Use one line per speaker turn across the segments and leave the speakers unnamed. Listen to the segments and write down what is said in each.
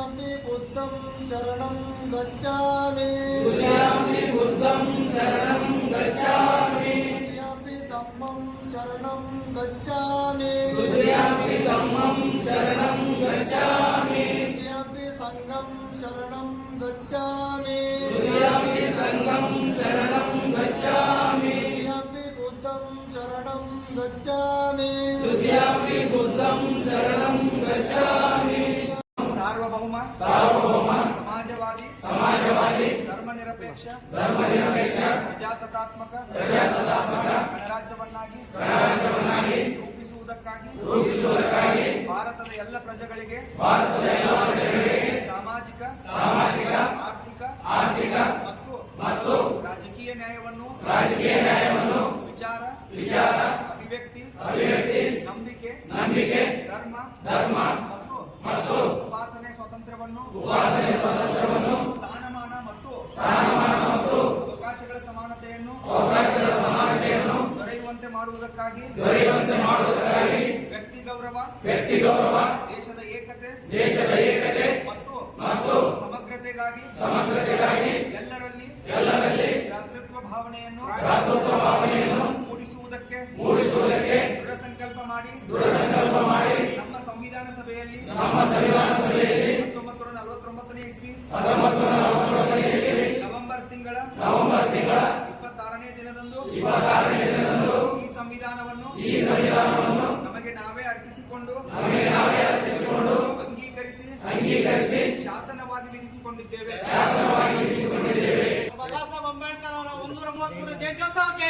तुभ्यामि बुद्धं शरणं गच्छामि
तुभ्यामि बुद्धं शरणं गच्छामि
तुभ्यामि धम्मं शरणं गच्छामि
तुभ्यामि धम्मं शरणं गच्छामि
तुभ्यामि संघं शरणं गच्छामि
तुभ्यामि संघं शरणं गच्छामि
तुभ्यामि बुद्धं शरणं गच्छामि
तुभ्यामि बुद्धं शरणं गच्छामि
सार्वभौम
सार्वभौम
समाजवादी धर्मनिरपेक्ष ಪ್ರಜಾಸತ್ತಾತ್ಮಕ ಗಣರಾಜ್ಯವನ್ನಾಗಿ ರೂಪಿಸುವುದಕ್ಕಾಗಿ ಭಾರತದ ಎಲ್ಲ ಪ್ರಜೆಗಳಿಗೆ ಸಾಮಾಜಿಕ ಆರ್ಥಿಕ ಮತ್ತು ರಾಜಕೀಯ ನ್ಯಾಯವನ್ನು ವಿಚಾರ ಅಭಿವ್ಯಕ್ತಿ ನಂಬಿಕೆ ಧರ್ಮ ಮತ್ತು ಉಪಾಸನೆ ಸ್ವಾತಂತ್ರ್ಯವನ್ನು ಸ್ಥಾನಮಾನ ಮತ್ತು ಅವಕಾಶಗಳ ಸಮಾನತೆಯನ್ನು ದೊರೆಯುವಂತೆ ಮಾಡುವುದಕ್ಕಾಗಿ ವ್ಯಕ್ತಿ ಗೌರವ ದೇಶದ ಏಕತೆ ಮತ್ತು ಸಮಗ್ರತೆಗಾಗಿ ಎಲ್ಲರಲ್ಲಿ ಭ್ರಾತೃತ್ವ ಭಾವನೆಯನ್ನು ಮೂಡಿಸುವುದಕ್ಕೆ ದೃಢ ಸಂಕಲ್ಪ ಮಾಡಿ ನಮ್ಮ ಸಂವಿಧಾನ ಸಭೆಯಲ್ಲಿ 1949ನೇ ಇಸ್ವಿ ನವೆಂಬರ್ ತಿಂಗಳ 26ನೇ ದಿನದಂದು ಈ ಸಂವಿಧಾನವನ್ನು ನಮಗೆ ನಾವೇ ಅರ್ಪಿಸಿಕೊಂಡು ಅಂಗೀಕರಿಸಿ ಶಾಸನವಾಗಿ ವಿಧಿಸಿಕೊಂಡಿದ್ದೇವೆ. ಬಾಬಾ ಸಾಹೇಬ್ ಅಂಬೇಡ್ಕರ್ ಅವರ 133ನೇ ಜಯಂತ್ಯೋತ್ಸವಕ್ಕೆ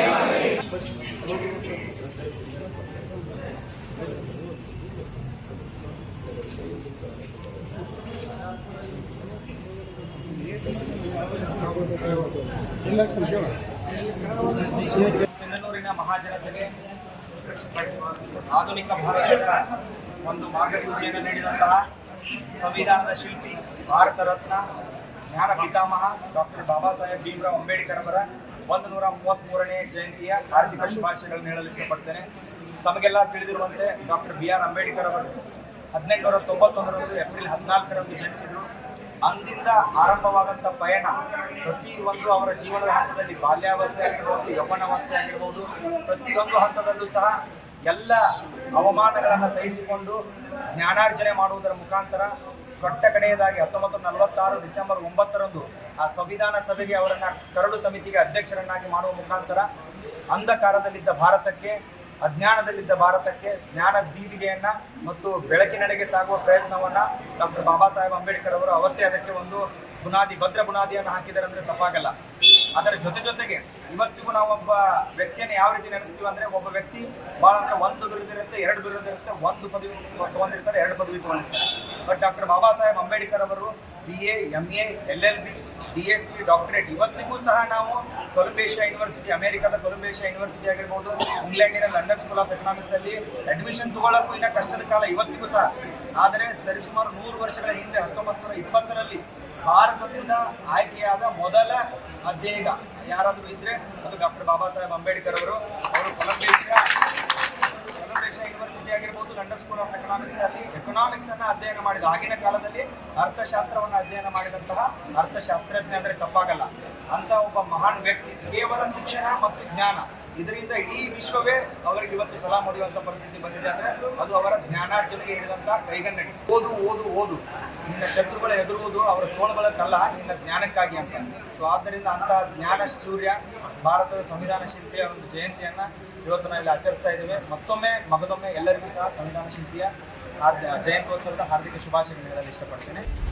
ಸಿಂಧನೂರಿನ ಮಹಾಜನತೆಗೆ ಆಧುನಿಕ ಭಾರತದ ಒಂದು ಮಾರ್ಗಸೂಚಿಯನ್ನು ನೀಡಿದಂತಹ ಸಂವಿಧಾನದ ಶಿಲ್ಪಿ, ಭಾರತ ರತ್ನ, ಜ್ಞಾನ ಪಿತಾಮಹ ಡಾಕ್ಟರ್ ಬಾಬಾ ಸಾಹೇಬ್ ಭೀಮರಾವ್ ಅಂಬೇಡ್ಕರ್ ಅವರ 133ನೇ ಜಯಂತಿಯ ಹಾರ್ದಿಕ ಶುಭಾಶಯಗಳನ್ನು ಹೇಳಲು ಇಷ್ಟಪಡ್ತೇನೆ. ತಮಗೆಲ್ಲ ತಿಳಿದಿರುವಂತೆ ಡಾಕ್ಟರ್ BR ಅಂಬೇಡ್ಕರ್ ಅವರು 1891 ಏಪ್ರಿಲ್ 14ರಂದು ಜನಿಸಿದರು. ಅಂದಿಂದ ಆರಂಭವಾದಂಥ ಪಯಣ ಪ್ರತಿಯೊಂದು ಅವರ ಜೀವನದ ಹಂತದಲ್ಲಿ, ಬಾಲ್ಯಾವಸ್ಥೆ ಆಗಿರ್ಬೋದು, ಯೌವನಾವಸ್ಥೆ ಆಗಿರ್ಬೋದು, ಪ್ರತಿಯೊಂದು ಹಂತದಲ್ಲೂ ಸಹ ಎಲ್ಲ ಅವಮಾನಗಳನ್ನು ಸಹಿಸಿಕೊಂಡು ಜ್ಞಾನಾರ್ಜನೆ ಮಾಡುವುದರ ಮುಖಾಂತರ ಕೊಟ್ಟ ಕಡೆಯದಾಗಿ 1946 ಡಿಸೆಂಬರ್ 9ರಂದು ಆ ಸಂವಿಧಾನ ಸಭೆಗೆ ಅವರನ್ನು ಕರಡು ಸಮಿತಿಗೆ ಅಧ್ಯಕ್ಷರನ್ನಾಗಿ ಮಾಡುವ ಮುಖಾಂತರ ಅಂಧಕಾರದಲ್ಲಿದ್ದ ಭಾರತಕ್ಕೆ, ಅಜ್ಞಾನದಲ್ಲಿದ್ದ ಭಾರತಕ್ಕೆ ಜ್ಞಾನ ದೀವಿಗೆಯನ್ನ ಮತ್ತು ಬೆಳಕಿನೆಡೆಗೆ ಸಾಗುವ ಪ್ರಯತ್ನವನ್ನ ಡಾಕ್ಟರ್ ಬಾಬಾ ಸಾಹೇಬ್ ಅಂಬೇಡ್ಕರ್ ಅವರು ಅವತ್ತೇ ಅದಕ್ಕೆ ಒಂದು ಭದ್ರ ಬುನಾದಿಯನ್ನು ಹಾಕಿದ್ದಾರೆ ಅಂದ್ರೆ ತಪ್ಪಾಗಲ್ಲ. ಅದರ ಜೊತೆಗೆ ಇವತ್ತಿಗೂ ನಾವು ಒಬ್ಬ ವ್ಯಕ್ತಿಯನ್ನು ಯಾವ ರೀತಿ ನಡೆಸ್ತೀವಿ ಅಂದ್ರೆ, ಒಬ್ಬ ವ್ಯಕ್ತಿ ಭಾಳ ಅಂದ್ರೆ 1 ಬಿರುದಿರುತ್ತೆ, 2 ಬಿರುದಿರುತ್ತೆ, 1 ಪದವಿ ತಗೊಂಡಿರ್ತಾರೆ, 2 ಪದವಿ ತಗೊಂಡಿರ್ತಾರೆ. ಬಟ್ ಡಾಕ್ಟರ್ ಬಾಬಾ ಸಾಹೇಬ್ ಅಂಬೇಡ್ಕರ್ ಅವರು BA, MA, LLB, DSc, doctorate ಇವತ್ತಿಗೂ ಸಹ ನಾವು ಕೊಲಂಬಿಯಾ ಯೂನಿವರ್ಸಿಟಿ, ಅಮೆರಿಕದ ಕೊಲಂಬಿಯಾ ಯೂನಿವರ್ಸಿಟಿ ಆಗಿರ್ಬೋದು, ಇಂಗ್ಲೆಂಡಿನ ಲಂಡನ್ ಸ್ಕೂಲ್ ಆಫ್ ಎಕನಾಮಿಕ್ಸ್ ಅಲ್ಲಿ ಅಡ್ಮಿಷನ್ ತಗೊಳ್ಳಕ್ಕೂ ಇನ್ನ ಕಷ್ಟದ ಕಾಲ ಇವತ್ತಿಗೂ ಸಹ. ಆದರೆ ಸರಿಸುಮಾರು 100 ವರ್ಷಗಳ ಹಿಂದೆ 1920ರಲ್ಲಿ ಭಾರತದಿಂದ ಆಯ್ಕೆಯಾದ ಮೊದಲ ಅಧ್ಯಯನ ಯಾರಾದರೂ ಇದ್ರೆ ಅದು ಡಾಕ್ಟರ್ ಬಾಬಾ ಸಾಹೇಬ್ ಅಂಬೇಡ್ಕರ್ ಅವರು. ಕೊಲಂಬಿಯಾ ಯೂನಿವರ್ಸಿಟಿ ಆಗಿರ್ಬೋದು, ಲಂಡನ್ ಸ್ಕೂಲ್ ಆಫ್ ಎಕನಾಮಿಕ್ಸ್ ಅಲ್ಲಿ ಎಕನಾಮಿಕ್ಸ್ ಅನ್ನ ಅಧ್ಯಯನ ಮಾಡಿದ, ಆಗಿನ ಕಾಲದಲ್ಲಿ ಅರ್ಥಶಾಸ್ತ್ರವನ್ನು ಅಧ್ಯಯನ ಮಾಡಿದಂತಹ ಅರ್ಥಶಾಸ್ತ್ರಜ್ಞ ಅಂದ್ರೆ ತಪ್ಪಾಗಲ್ಲ ಅಂತ ಒಬ್ಬ ಮಹಾನ್ ವ್ಯಕ್ತಿ. ಕೇವಲ ಶಿಕ್ಷಣ ಮತ್ತು ಜ್ಞಾನ ಇದರಿಂದ ಇಡೀ ವಿಶ್ವವೇ ಅವರಿಗೆ ಇವತ್ತು ಸಲಾಂ ಹೊಡೆಯುವಂತ ಪರಿಸ್ಥಿತಿ ಬಂದಿದೆ ಅಂದ್ರೆ ಅದು ಅವರ ಜ್ಞಾನಾರ್ಜನೆಗೆ ಹಿಡಿದಂತಹ ಕೈಗನ್ನಡಿ. ಓದು ನಿನ್ನ ಶತ್ರುಗಳ ಎದುರುವುದು ಅವರ ತೋಳುಗಳಕ್ಕಲ್ಲ, ನಿನ್ನ ಜ್ಞಾನಕ್ಕಾಗಿ ಅಂತ. ಸೊ ಆದ್ದರಿಂದ ಅಂತ ಜ್ಞಾನ ಸೂರ್ಯ ಭಾರತದ ಸಂವಿಧಾನ ಶಿಲ್ಪಿಯ ಒಂದು ಜಯಂತಿಯನ್ನ ಇವತ್ತು ನಾವು ಇಲ್ಲಿ ಆಚರಿಸ್ತಾ ಇದ್ದೇವೆ. ಮಗದೊಮ್ಮೆ ಎಲ್ಲರಿಗೂ ಸಹ ಸಂವಿಧಾನ ಶಿಲ್ಪಿಯ ಜಯಂತ್ಯೋತ್ಸವದ ಹಾರ್ದಿಕ ಶುಭಾಶಯಗಳನ್ನು ಹೇಳಲು ಇಷ್ಟಪಡ್ತೇನೆ.